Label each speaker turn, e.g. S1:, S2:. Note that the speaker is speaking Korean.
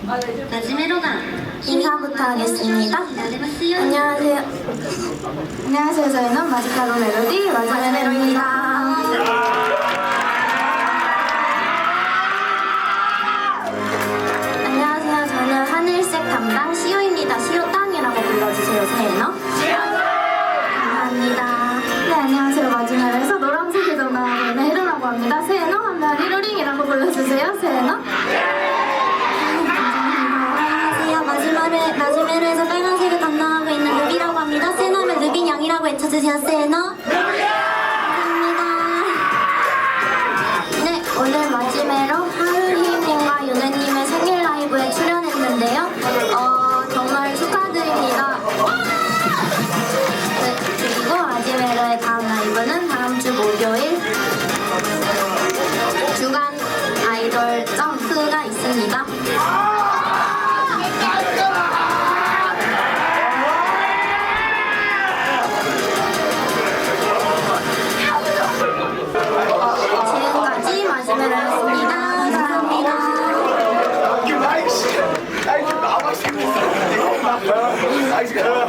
S1: 인사부터 하겠습니다. 안녕하세요. 안녕하세요. 저희는 마지카로 멜로디 마지메로입니다. 안녕하세요. 저는 하늘색 담당 시오입니다. 시오 땅이라고 불러주세요. 세너. 감사합니다. 네, 안녕하세요. 마지막에서 노란색에서 나오는 헤루라고 합니다. 세너 하면 히로링이라고 불러주세요. 세너. 마지막에서 빨간색을 담당하고 있는 루비라고 합니다. 세너면 루빈 양이라고 외쳐주세요. 세너. 감사합니다. 네, 오늘 마지막으로 하루희님과 유네님의 생일 라이브에 출연했는데요. 정말 축하드립니다. 네, 그리고 마지막으로의 다음 라이브는 다음 주 목요일 주간 아이돌 점프가 있습니다. 지금까지 마지막이었습니다. 감사합니다.
S2: Hij is